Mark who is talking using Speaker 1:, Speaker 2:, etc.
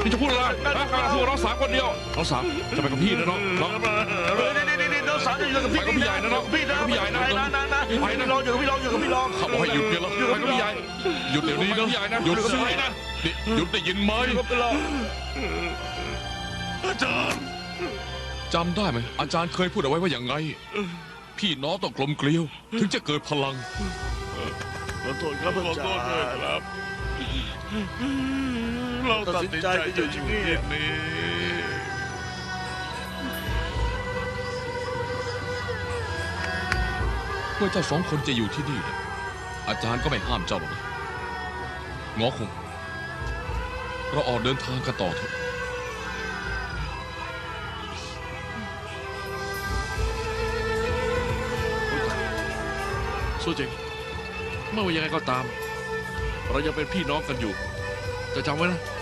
Speaker 1: นี่จะพูดอะไรการพูดน้องสาวคนเดียวน้องสาวจะไปกับพี่นะน้องน้อง
Speaker 2: นี่น้องสาวจะอยู่กับพี่
Speaker 1: ไปกับพี่ใหญ่นะน้อง
Speaker 2: พี่นะ
Speaker 1: ไปกับพี่ใหญ่นะ
Speaker 2: ไปนะรออยู่กับพี่รออยู่กับพี่รอ
Speaker 1: เขาบอกให้หยุดเนี่ยแล้วไปกับพี่ใหญ่หยุดเดี๋ยวนี้นะหยุดสินะหยุดได้ยินไหม
Speaker 2: อาจารย์
Speaker 1: จำได้ไหมอาจารย์เคยพูดเอาไว้ว่าอย่างไงพี่น้องต้องกลมเกลียวถึงจะเกิดพลัง
Speaker 2: ขอโทษครับอาจารย์ครับเราตัดสินใจจะอยู่ที่นี่
Speaker 1: เมื่อเจ้าสองคนจะอยู่ที่นี่นะอาจารย์ก็ไม่ห้ามเจ้าหรอกนะงอคงเราออกเดินทางกันต่อเถอะ
Speaker 3: สู้จริงไม่ว่ายังไงก็ตาม เรายังเป็นพี่น้องกันอยู่จะจำไว้นะ